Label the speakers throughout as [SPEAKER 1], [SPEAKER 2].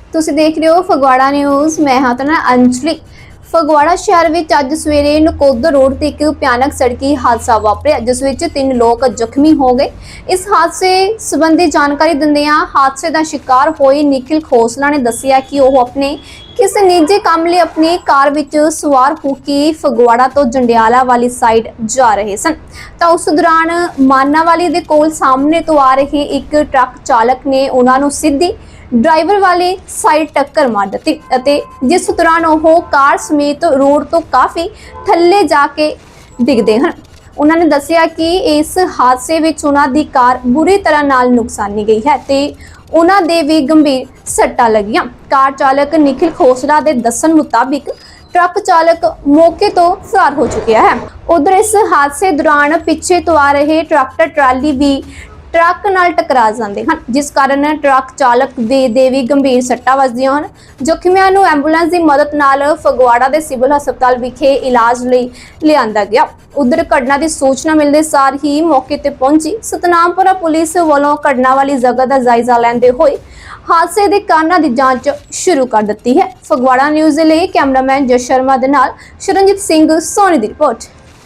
[SPEAKER 1] ਤੁਸੀਂ ਦੇਖ ਰਹੇ ਹੋ ਫਗਵਾੜਾ ਨਿਊਜ਼। ਮੈਂ ਹਾਂ ਤੁਹਾਡਾ ਨਾਲ ਅੰਜਲੀ। ਫਗਵਾੜਾ ਸ਼ਹਿਰ ਵਿੱਚ ਅੱਜ ਸਵੇਰੇ ਨਕੋਦਰ ਰੋਡ ਤੇ ਇੱਕ ਭਿਆਨਕ ਸੜਕੀ ਹਾਦਸਾ ਵਾਪਰਿਆ, ਜਿਸ ਵਿੱਚ 3 ਲੋਕ ਜ਼ਖਮੀ ਹੋ ਗਏ। ਇਸ ਹਾਦਸੇ ਸੰਬੰਧੀ ਜਾਣਕਾਰੀ ਦਿੰਦਿਆਂ ਹਾਦਸੇ ਦਾ ਸ਼ਿਕਾਰ ਹੋਏ ਨਿਖਿਲ ਖੋਸਲਾ ਨੇ ਦੱਸਿਆ ਕਿ ਉਹ ਆਪਣੇ ਕਿਸੇ ਨਿੱਜੀ ਕੰਮ ਲਈ ਆਪਣੀ ਕਾਰ ਵਿੱਚ ਸਵਾਰ ਹੋ ਕੇ ਫਗਵਾੜਾ ਤੋਂ ਜੰਡਿਆਲਾ ਵਾਲੀ ਸਾਈਡ ਜਾ ਰਹੇ ਸਨ ਤਾਂ ਉਸ ਦੌਰਾਨ ਮਾਨਾਵਾਲੀ ਦੇ ਕੋਲ ਸਾਹਮਣੇ ਤੋਂ ਆ ਰਹੇ ਇੱਕ ਟਰੱਕ ਚਾਲਕ ਨੇ ਉਹਨਾਂ ਨੂੰ ਸਿੱਧੀ ड्राइवर वाले साइड टक्कर मार दी ਅਤੇ ਜਿਸ ਦੌਰਾਨ ਉਹ ਕਾਰ ਸਮੇਤ ਰੋਡ ਤੋਂ ਕਾਫੀ ਥੱਲੇ ਜਾ ਕੇ ਡਿੱਗਦੇ ਹਨ। ਉਹਨਾਂ ਨੇ ਦੱਸਿਆ ਕਿ ਇਸ ਹਾਦਸੇ ਵਿੱਚ ਉਹਨਾਂ ਦੀ ਕਾਰ ਬੁਰੀ ਤਰ੍ਹਾਂ ਨਾਲ ਨੁਕਸਾਨੀ ਗਈ ਹੈ ਤੇ ਉਹਨਾਂ ਦੇ ਵੀ ਗੰਭੀਰ ਸੱਟਾਂ ਲੱਗੀਆਂ। ਕਾਰ ਚਾਲਕ ਨਿਖਿਲ ਖੋਸਲਾ ਦੇ ਦੱਸਣ ਮੁਤਾਬਿਕ ट्रक चालक मौके तो फरार हो चुका है। उधर इस हादसे दौरान पीछे तो आ रहे ट्रैक्टर ट्राली भी ट्रक नाल टकरा जाते हैं, जिस कारण ट्रक चालक दे भी गंभीर सट्टां वजदियां हैं। ਜ਼ਖਮੀਆਂ ਨੂੰ ਐਂਬੂਲੈਂਸ ਦੀ ਮਦਦ ਨਾਲ ਫਗਵਾੜਾ ਦੇ ਸਿਵਲ ਹਸਪਤਾਲ ਵਿਖੇ ਇਲਾਜ ਲਈ ਲਿਆਂਦਾ ਗਿਆ। ਉਧਰ ਘਟਨਾ ਦੀ ਸੂਚਨਾ ਮਿਲਦੇ ਸਾਰ ਹੀ ਮੌਕੇ ਤੇ ਪਹੁੰਚੀ ਸਤਨਾਮਪੁਰਾ ਪੁਲਿਸ ਵੱਲੋਂ ਘਟਨਾ ਵਾਲੀ ਜਗ੍ਹਾ ਦਾ ਜਾਇਜ਼ਾ ਲੈਂਦੇ ਹੋਏ ਹਾਦਸੇ ਦੇ ਕਾਰਨਾਂ ਦੀ ਜਾਂਚ ਸ਼ੁਰੂ ਕਰ ਦਿੱਤੀ ਹੈ। ਫਗਵਾੜਾ ਨਿਊਜ਼ ਦੇ ਲਈ ਕੈਮਰਾਮੈਨ ਜਸ ਸ਼ਰਮਾ ਦੇ ਨਾਲ ਸ਼ਰਨਜੀਤ ਸਿੰਘ ਸੋਨੀ ਦੀ ਰਿਪੋर्ट।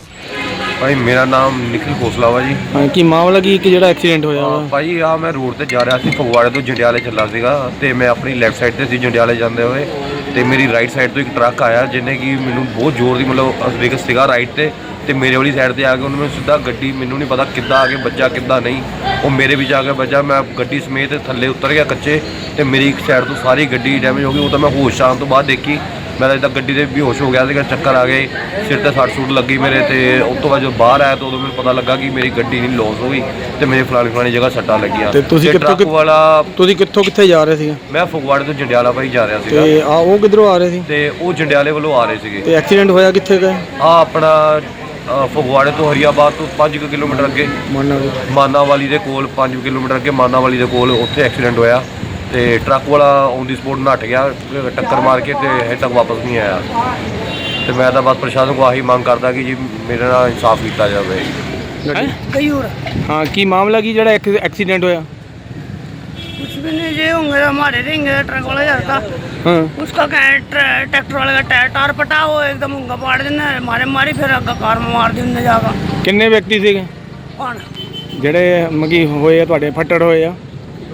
[SPEAKER 2] भाई मेरा नाम निखिल खोसला वा जी।
[SPEAKER 3] हाँ की मामला की कि जेड़ा एक्सीडेंट होया वा
[SPEAKER 2] भाई आ मैं रोड ते जा रहा सी फगवाड़े तो जंडियाले चला सीगा ते मैं अपनी लैफ्ट साइड ते सी जंडियाले जांदे होए ते मेरी राइट साइड तो एक ट्रक आया जिन्हें कि मैनू बहुत जोर दी मतलब वेग सीगा राइट ते मेरे वाली साइड ते आके उन्होंने सीधा गड्डी मैनू नहीं पता किद्दां आके बज्जा किद्दां नहीं वो मेरे विच आके बज्जा। मैं गड्डी समेत थल्ले उतर गया कच्चे ते मेरी एक साइड तो सारी गड्डी डैमेज हो गई। वो तो मैं होश आने तो बाद देखी मैं तो गड्डी से बेहोश हो गया था, चक्कर आ गए, सिर ते सट सूट लगी मेरे ते उस तो बाद जो बाहर आया तो उदों मैनूं पता लगा कि मेरी गड्डी नहीं लॉस हो गई ते मेरे फलानी जगह सट्टां लगियां।
[SPEAKER 3] ते तुसीं
[SPEAKER 2] ट्रक वाला
[SPEAKER 3] तुसीं कित्थे जा रहे सी?
[SPEAKER 2] मैं फगवाड़े तो जंडियाला भाई जा रहा सीगा
[SPEAKER 3] ते आ वो किधरों आ रहे सी?
[SPEAKER 2] ते वो जंडियाले वालों आ रहे सीगे।
[SPEAKER 3] ते एक्सीडेंट होया कित्थे गए?
[SPEAKER 2] आ अपना फगवाड़े तो हरियाबाद तो 5 किलोमीटर अगे मानावाली दे कोल 5 किलोमीटर अगे मानावाली दे कोल उत्थे एक्सीडेंट होया ते ट्रक वाला ऑन दी स्पॉट नट गया टक्कर मार के ते हजे तक वापस नहीं आया। तो मैं तो बस प्रशासन को आही मांग करदा कि जी मेरे नाल इंसाफ किया जाए।
[SPEAKER 3] हाँ की मामला की जेड़ा एक्सीडेंट होया?
[SPEAKER 4] कुछ भी नहीं जी, होंगे हमारे रहेंगे ट्रक वाला जाता।
[SPEAKER 3] हाँ
[SPEAKER 4] उसका ट्रैक्टर वाले का टायर पटा वो एकदम उंगा पाड़ देना मारी फिर अगर कार में मार दी उन्हें जाकर।
[SPEAKER 3] किन्ने व्यक्ति सीगे
[SPEAKER 4] कौन
[SPEAKER 3] जेड़े मगी होए तुहाडे फट्टड़ होए आ?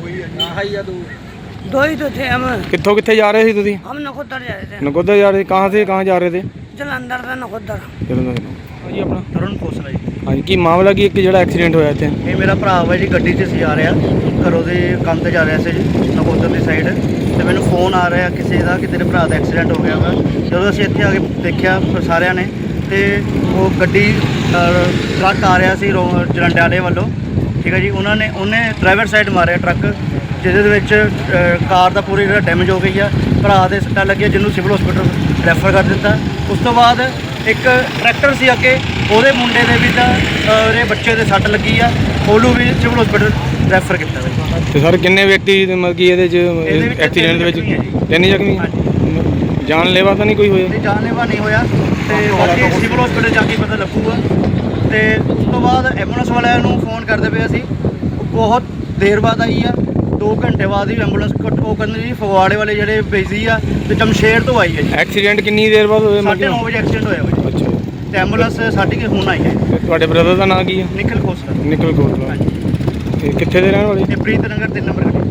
[SPEAKER 4] दो ही तो थे हम।
[SPEAKER 3] कित्थों कित्थे जा रहे थे तुसीं?
[SPEAKER 4] हम नकोदर जा रहे थे।
[SPEAKER 3] नकोदर जा रहे थे? कहाँ से कहाँ जा रहे थे?
[SPEAKER 4] जलंधर से नकोदर।
[SPEAKER 3] हाँ जी अपना
[SPEAKER 5] तरुण खोसला जी।
[SPEAKER 3] हाँ जी की मामला की एक जेड़ा एक्सीडेंट होया इत्थे?
[SPEAKER 5] ਇਹ ਮੇਰਾ ਭਰਾ ਵਾ ਜੀ, ਗੱਡੀ 'ਚ ਸੀ ਆ ਰਿਹਾ ਘਰੋਂ ਦੇ ਕੰਮ ਤੇ ਜਾ ਰਿਹਾ ਸੀ ਜੀ ਨਕੋਦਰ ਦੀ ਸਾਈਡ ਤੇ ਮੈਨੂੰ ਫੋਨ ਆ ਰਿਹਾ ਕਿਸੇ ਦਾ ਕਿ ਤੇਰੇ ਭਰਾ ਦਾ ਐਕਸੀਡੈਂਟ ਹੋ ਗਿਆ ਵਾ। ਜਦੋਂ ਅਸੀਂ ਇੱਥੇ ਆ ਕੇ ਦੇਖਿਆ ਸਾਰਿਆਂ ਨੇ ਤੇ ਉਹ ਗੱਡੀ ਟਰੱਕ ਆ ਰਿਹਾ ਸੀ ਜੰਡਿਆਲੇ ਵੱਲੋਂ, ਠੀਕ ਹੈ ਜੀ। ਉਹਨੇ ਡਰਾਈਵਰ ਸਾਈਡ ਮਾਰਿਆ ਟਰੱਕ, ਜਿਹਦੇ ਵਿੱਚ ਕਾਰ ਦਾ ਪੂਰੀ ਜਿਹੜਾ ਡੈਮੇਜ ਹੋ ਗਈ ਆ। ਭਰਾ ਦੇ ਸੱਟਾਂ ਲੱਗੀਆਂ ਜਿਹਨੂੰ ਸਿਵਲ ਹਸਪੀਟਲ ਰੈਫਰ ਕਰ ਦਿੱਤਾ। ਉਸ ਤੋਂ ਬਾਅਦ ਇੱਕ ਟਰੈਕਟਰ ਸੀ ਅੱਗੇ, ਉਹਦੇ ਮੁੰਡੇ ਦੇ ਵੀ ਤਾਂ ਉਹਦੇ ਬੱਚੇ ਦੇ ਸੱਟ ਲੱਗੀ ਆ, ਉਹਨੂੰ ਵੀ ਸਿਵਲ ਹਸਪੀਟਲ ਰੈਫਰ ਕੀਤਾ ਵਾ।
[SPEAKER 3] ਤੇ ਸਰ ਕਿੰਨੇ ਵਿਅਕਤੀ ਮਤਲਬ ਕਿ ਇਹਦੇ ਚ ਐਕਸੀਡੈਂਟ ਦੇ ਵਿੱਚ? 3 ਜ਼ਖਮੀ। ਜਾਨਲੇਵਾ ਤਾਂ ਨਹੀਂ ਕੋਈ ਹੋਇਆ?
[SPEAKER 5] ਤੇ ਜਾਨਲੇਵਾ ਨਹੀਂ ਹੋਇਆ ਤੇ ਬਾਕੀ ਸਿਵਲ ਹਸਪੀਟਲ ਜਾ ਕੇ ਪਤਾ ਲੱਗੂਗਾ। ਤੇ ਉਸ ਤੋਂ ਬਾਅਦ ਐਂਬੂਲੈਂਸ ਵਾਲਿਆਂ ਨੂੰ ਫੋਨ ਕਰਦੇ ਪਏ ਅਸੀਂ, ਬਹੁਤ ਦੇਰ ਬਾਅਦ ਆਈ ਆ, 2 ਘੰਟੇ ਬਾਅਦ ਹੀ ਐਂਬੂਲੈਂਸ ਉਹ ਕਹਿੰਦੇ ਜੀ ਫਗਵਾੜੇ ਵਾਲੇ ਜਿਹੜੇ ਭੇਜੀ ਆ ਤੇ ਜਮਸ਼ੇਰ ਤੋਂ ਆਈ ਹੈ ਜੀ।
[SPEAKER 3] ਐਕਸੀਡੈਂਟ ਕਿੰਨੀ ਦੇਰ ਬਾਅਦ ਹੋਇਆ?
[SPEAKER 5] 9:30 ਵਜੇ ਐਕਸੀਡੈਂਟ ਹੋਇਆ ਵਾ ਜੀ।
[SPEAKER 3] ਅੱਛਾ
[SPEAKER 5] ਤੇ ਐਂਬੂਲੈਂਸ ਸਾਡੀ ਕਿ ਹੁਣ ਆਈ ਹੈ।
[SPEAKER 3] ਤੇ ਤੁਹਾਡੇ ਬ੍ਰਦਰ ਦਾ ਨਾਂ ਕੀ ਹੈ?
[SPEAKER 5] ਨਿਖਿਲ ਖੋਸਲਾ।
[SPEAKER 3] ਨਿਖਿਲ ਖੋਸਲਾ। ਤੇ ਕਿੱਥੇ ਦੇ ਰਹਿਣ ਵਾਲੇ?
[SPEAKER 5] ਇਹ ਪ੍ਰੀਤ ਨਗਰ 3 ਨੰਬਰ ਗੱਡੀ।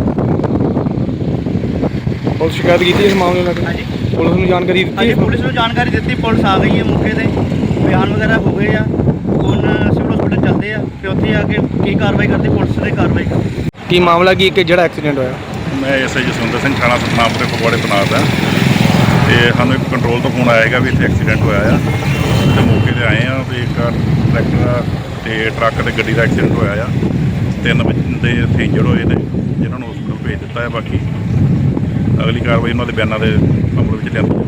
[SPEAKER 3] ਪੁਲਿਸ ਸ਼ਿਕਾਇਤ ਕੀਤੀ ਇਸ ਮਾਮਲੇ ਨਾਲ?
[SPEAKER 5] ਹਾਂਜੀ
[SPEAKER 3] ਪੁਲਿਸ ਨੂੰ ਜਾਣਕਾਰੀ ਦਿੱਤੀ?
[SPEAKER 5] ਹਾਂਜੀ ਪੁਲਿਸ ਨੂੰ ਜਾਣਕਾਰੀ ਦਿੱਤੀ, ਪੁਲਿਸ ਆ ਗਈ ਹੈ ਮੌਕੇ ਤੇ, ਬਿਆਨ ਵਗੈਰਾ ਹੋ ਗਏ ਆ। ਹੁਣ ਸਿਵਲ ਹਸਪੀਟਲ ਚੱਲਦੇ ਆ ਤੇ ਉੱਥੇ ਆ ਕੇ ਕੀ ਕਾਰਵਾਈ ਕਰਦੀ ਪੁਲਿਸ ਨੇ ਕਾਰਵਾਈ ਕਰਦੀ।
[SPEAKER 3] ਕੀ ਮਾਮਲਾ ਕੀ ਇੱਕ ਜਿਹੜਾ ਐਕਸੀਡੈਂਟ ਹੋਇਆ?
[SPEAKER 6] ਮੈਂ ਐਸਆਈ ਜਸਵਿੰਦਰ ਸਿੰਘ ਥਾਣਾ ਸਤਨਾਮਪੁਰੇ ਫਗਵਾੜੇ ਤੈਨਾਤ ਹਾਂ ਤੇ ਸਾਨੂੰ ਇੱਕ ਕੰਟਰੋਲ ਤੋਂ ਫੋਨ ਆਏਗਾ ਵੀ ਇੱਥੇ ਐਕਸੀਡੈਂਟ ਹੋਇਆ ਆ ਤੇ ਮੌਕੇ ਤੇ ਆਏ ਆ ਵੀ ਇੱਕ ਟਰੈਕਟਰ ਤੇ ਟਰੱਕ ਤੇ ਗੱਡੀ ਦਾ ਐਕਸੀਡੈਂਟ ਹੋਇਆ ਆ। 3 ਬੰਦੇ ਇੱਥੇ ਇੰਜਰਡ ਹੋਏ ਨੇ ਜਿਨ੍ਹਾਂ ਨੂੰ ਹਸਪਤਾਲ ਭੇਜ ਦਿੱਤਾ ਹੈ। ਬਾਕੀ ਅਗਲੀ ਕਾਰਵਾਈ ਉਹਨਾਂ ਦੇ ਬਿਆਨਾਂ ਦੇ ਮਾਮਲੇ ਵਿੱਚ ਲਿਆਂਦੀ